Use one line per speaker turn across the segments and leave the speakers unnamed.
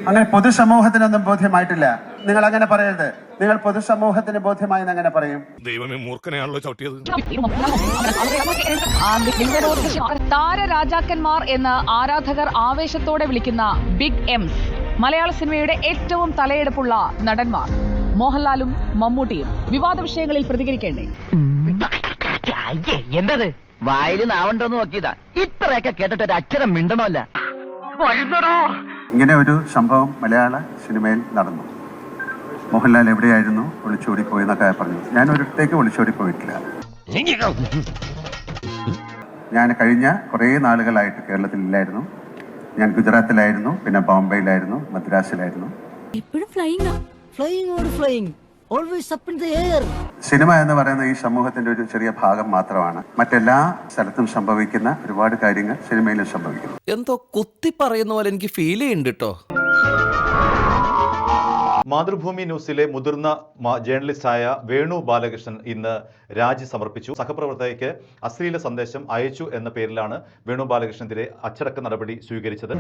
അങ്ങനെ പൊതുസമൂഹത്തിനൊന്നും ബോധ്യമായിട്ടില്ല. നിങ്ങൾ അങ്ങനെ പറയരുത്. നിങ്ങൾ പൊതുസമൂഹത്തിന് ബോധ്യമായി അങ്ങനെ പറയും.
ദൈവമേ, മൂർഖനെയാണല്ലോ ചവിട്ടിയത്.
താരരാജാക്കന്മാർ എന്ന് ആരാധകർ ആവേശത്തോടെ വിളിക്കുന്ന ബിഗ് എംസ് മലയാള സിനിമയുടെ ഏറ്റവും തലയെടുപ്പുള്ള നടന്മാർ മോഹൻലാലും മമ്മൂട്ടിയും വിവാദ വിഷയങ്ങളിൽ പ്രതികരിക്കേണ്ടേ?
എന്തത് വായിൽ നാവണ്ടോന്ന് നോക്കിയതാ. ഇത്രയൊക്കെ കേട്ടിട്ട് ഒരു അക്ഷരം മിണ്ടണമല്ല.
ഇങ്ങനെ ഒരു സംഭവം മലയാള സിനിമയിൽ നടന്നു. മോഹൻലാൽ എവിടെയായിരുന്നു? ഒളിച്ചോടിപ്പോയി എന്നൊക്കെ പറഞ്ഞു. ഞാൻ ഒരിടത്തേക്ക് ഒളിച്ചോടിപ്പോയിട്ടില്ല. ഞാൻ കഴിഞ്ഞ കുറേ നാളുകളായിട്ട് കേരളത്തിലില്ലായിരുന്നു. ഞാൻ ഗുജറാത്തിലായിരുന്നു, പിന്നെ ബോംബെയിലായിരുന്നു, മദ്രാസിലായിരുന്നു. സിനിമ എന്ന് പറയുന്ന ഈ സമൂഹത്തിന്റെ ഒരു ചെറിയ ഭാഗം മാത്രമാണ്. മറ്റെല്ലാ സ്ഥലത്തും സംഭവിക്കുന്ന ഒരുപാട് കാര്യങ്ങൾ സിനിമയിലും സംഭവിക്കുന്നു.
എന്തോ കുത്തി പറയുന്ന പോലെ എനിക്ക് ഫീൽ ചെയ്യുന്നുണ്ട് കേട്ടോ.
മാതൃഭൂമി ന്യൂസിലെ മുതിർന്ന ജേർണലിസ്റ്റായ വേണു ബാലകൃഷ്ണൻ ഇന്ന് രാജി സമർപ്പിച്ചു. സഹപ്രവർത്തകയ്ക്ക് അശ്ലീല സന്ദേശം അയച്ചു എന്ന പേരിലാണ് വേണു ബാലകൃഷ്ണനെതിരെ അച്ചടക്ക നടപടി സ്വീകരിച്ചത്.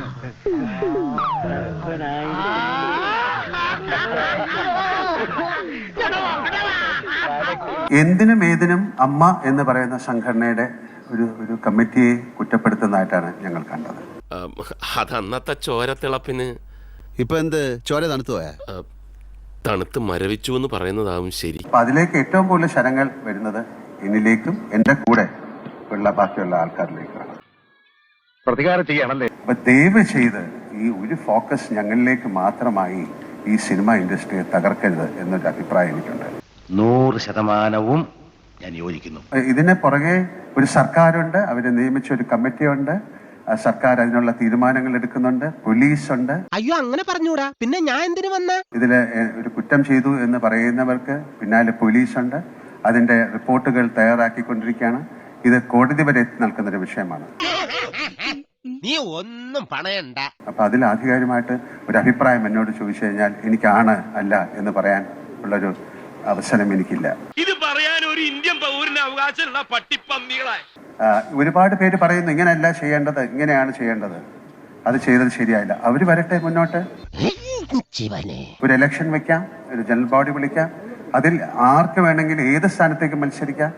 എന്തിനും ഏതിനും അമ്മ എന്ന് പറയുന്ന സംഘടനയുടെ ഒരു കമ്മിറ്റിയെ കുറ്റപ്പെടുത്തുന്നതായിട്ടാണ് ഞങ്ങൾ കണ്ടത്.
അതന്നത്തെ ചോരത്തിളപ്പിന്
ഇപ്പൊ എന്ത് ചോര തണുത്തു പോയാ?
തണുത്ത് മരവിച്ചു എന്ന് പറയുന്നതാവും ശരി.
അപ്പൊ അതിലേക്ക് ഏറ്റവും കൂടുതൽ ശരങ്ങൾ വരുന്നത് എന്നിലേക്കും എന്റെ കൂടെ ഉള്ള ബാക്കിയുള്ള ആൾക്കാരിലേക്കാണ്.
പ്രതികാരം ചെയ്യാണല്ലേ?
അപ്പൊ ദയവ് ചെയ്ത് ഈ ഒരു ഫോക്കസ് ഞങ്ങളിലേക്ക് മാത്രമായി ഈ സിനിമ ഇൻഡസ്ട്രിയെ തകർക്കരുത് എന്നൊരു അഭിപ്രായം എനിക്കുണ്ട്.
100% ഞാൻ യോജിക്കുന്നു.
ഇതിന് പുറകെ ഒരു സർക്കാരുണ്ട്, അവരെ നിയമിച്ച ഒരു കമ്മിറ്റിയുണ്ട്, സർക്കാർ അതിനുള്ള തീരുമാനങ്ങൾ എടുക്കുന്നുണ്ട്, പോലീസ് ഉണ്ട്.
അയ്യോ, അങ്ങനെ പറഞ്ഞൂടാ, പിന്നെ ഞാൻ എന്തിനു വന്ന?
ഇതില് ഒരു കുറ്റം ചെയ്തു എന്ന് പറയുന്നവർക്ക് പിന്നാലെ പോലീസ് ഉണ്ട്. അതിന്റെ റിപ്പോർട്ടുകൾ തയ്യാറാക്കിക്കൊണ്ടിരിക്കുകയാണ്. ഇത് കോടതി വരെ എത്തി നിൽക്കുന്ന ഒരു വിഷയമാണ്.
നീ ഒന്നും പണയണ്ട.
അപ്പൊ അതിൽ ആധികാരികമായിട്ട് ഒരു അഭിപ്രായം എന്നോട് ചോദിച്ചു കഴിഞ്ഞാൽ എനിക്കാണ് അല്ല എന്ന് പറയാൻ ഉള്ളൊരു അവസരം എനിക്കില്ല.
ഇത് പറയാൻ ഒരു ഇന്ത്യൻ പൗരന് അവകാശമുള്ള പട്ടിപ്പന്നികളായി
ഒരുപാട് പേര് പറയുന്നു ഇങ്ങനെയല്ല ചെയ്യേണ്ടത്, ഇങ്ങനെയാണ് ചെയ്യേണ്ടത്, അത് ചെയ്തത് ശരിയായില്ല. അവര് വരട്ടെ മുന്നോട്ട്. ഒരു ഇലക്ഷൻ വെക്കാം, ഒരു ജനറൽ ബോഡി വിളിക്കാം, അതിൽ ആർക്ക് വേണമെങ്കിലും ഏത് സ്ഥാനത്തേക്ക് മത്സരിക്കാം.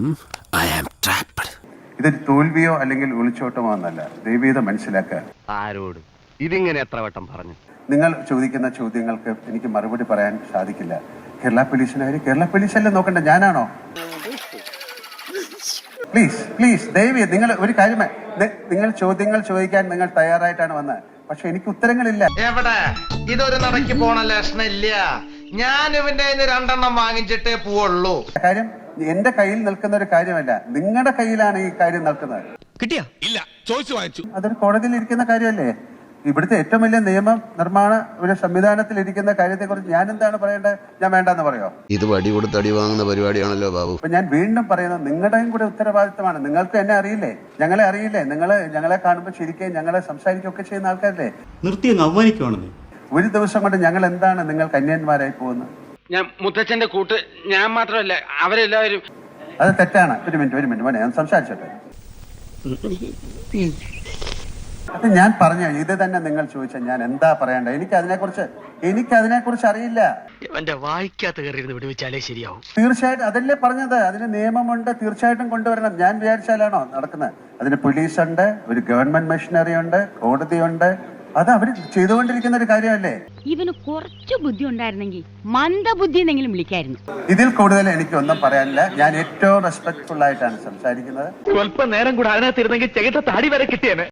ഇതൊരു തോൽവിയോ അല്ലെങ്കിൽ ഒളിച്ചോട്ടമോ എന്നല്ല. ദൈവീത മനസ്സിലാക്കുക.
ആരോട് ഇതിങ്ങനെ എത്ര വട്ടം പറഞ്ഞു?
നിങ്ങൾ ചോദിക്കുന്ന ചോദ്യങ്ങൾക്ക് എനിക്ക് മറുപടി പറയാൻ സാധിക്കില്ല. കേരള പോലീസിനായാലും കേരള പോലീസല്ലേ നോക്കണ്ട, ഞാനാണോ? പ്ലീസ് പ്ലീസ് ദയവ് നിങ്ങൾ ഒരു കാര്യം, നിങ്ങൾ ചോദ്യങ്ങൾ ചോദിക്കാൻ നിങ്ങൾ തയ്യാറായിട്ടാണ് വന്നത്, പക്ഷെ എനിക്ക് ഉത്തരങ്ങളില്ല.
എവിടെ ഇതൊരു നടക്ക് പോണ ലക്ഷണില്ല. ഞാൻ ഇവന്റെ 2 വാങ്ങിച്ചിട്ടേ പോവുള്ളൂ.
കാര്യം എന്റെ കയ്യിൽ നിൽക്കുന്ന ഒരു കാര്യമല്ല, നിങ്ങളുടെ കയ്യിലാണ് ഈ കാര്യം നിൽക്കുന്നത്.
കിട്ടിയാ?
ഇല്ല, ചോദിച്ചു വാങ്ങിച്ചു.
അതൊരു കോടതിയിൽ ഇരിക്കുന്ന കാര്യമല്ലേ? ഇവിടുത്തെ ഏറ്റവും വലിയ നിയമ നിർമ്മാണ ഒരു സംവിധാനത്തിൽ ഇരിക്കുന്ന കാര്യത്തെ കുറിച്ച് ഞാൻ എന്താണ് പറയേണ്ടത്? ഞാൻ വേണ്ടെന്ന് പറയോ?
ഇത് വടി കൊടുത്ത് അടി വാങ്ങുന്ന പരിപാടിയാണല്ലോ ബാബു.
അപ്പൊ ഞാൻ വീണ്ടും പറയുന്നത് നിങ്ങളുടെയും കൂടെ ഉത്തരവാദിത്തമാണ്. നിങ്ങൾക്ക് എന്നെ അറിയില്ലേ, ഞങ്ങളെ അറിയില്ലേ? ഞങ്ങളെ കാണുമ്പോൾ ശരിക്കും ഞങ്ങളെ സംസാരിക്കുകയൊക്കെ ചെയ്യുന്ന ആൾക്കാരല്ലേ?
നിർത്തി അവമാനിക്കുവാണെന്ന്.
ഒരു ദിവസം കൊണ്ട് ഞങ്ങൾ എന്താണ് നിങ്ങൾക്ക് അന്യന്മാരായി പോകുന്നത്?
ഞാൻ മുത്തച്ഛന്റെ കൂട്ട് ഞാൻ മാത്രമല്ല അവരെല്ലാവരും.
അത് തെറ്റാണ്. ഒരു മിനിറ്റ് മോനെ, ഞാൻ സംസാരിച്ചോട്ടെ. അത് ഞാൻ പറഞ്ഞു, ഇത് തന്നെ നിങ്ങൾ ചോദിച്ചാൽ ഞാൻ എന്താ പറയണ്ടേ? എനിക്ക് അതിനെക്കുറിച്ച് അറിയില്ല.
എന്റെ വായിക്കാത്ത കയറിയിരുന്ന് വിടുവിച്ചാലേ ശരിയാവും.
തീർച്ചയായിട്ടും അതല്ലേ പറഞ്ഞത്, അതിന് നിയമമുണ്ട്, തീർച്ചയായിട്ടും കൊണ്ടുവരണം. ഞാൻ വിചാരിച്ചാലാണോ നടക്കുന്നത്? അതിന് പോലീസുണ്ട്, ഒരു ഗവൺമെന്റ് മെഷീനറി ഉണ്ട്, കോടതിയുണ്ട്. അത് അവർ ചെയ്തുകൊണ്ടിരിക്കുന്ന ഒരു കാര്യമല്ലേ?
ഇവന് കുറച്ച് ബുദ്ധി ഉണ്ടായിരുന്നെങ്കിൽ മന്ദബുദ്ധി എന്നെങ്കിലും വിളിക്കായിരുന്നു.
ഇതിൽ കൂടുതൽ എനിക്കൊന്നും പറയാനില്ല. ഞാൻ ഏറ്റവും റെസ്പെക്ട്ഫുൾ ആയിട്ടാണ് സംസാരിക്കുന്നത്.
സ്വല്പം നേരം കൂടെ അതിനകത്തിരുന്നെങ്കിൽ ചെകിട്ട താടി വരെ കിട്ടിയേനെ.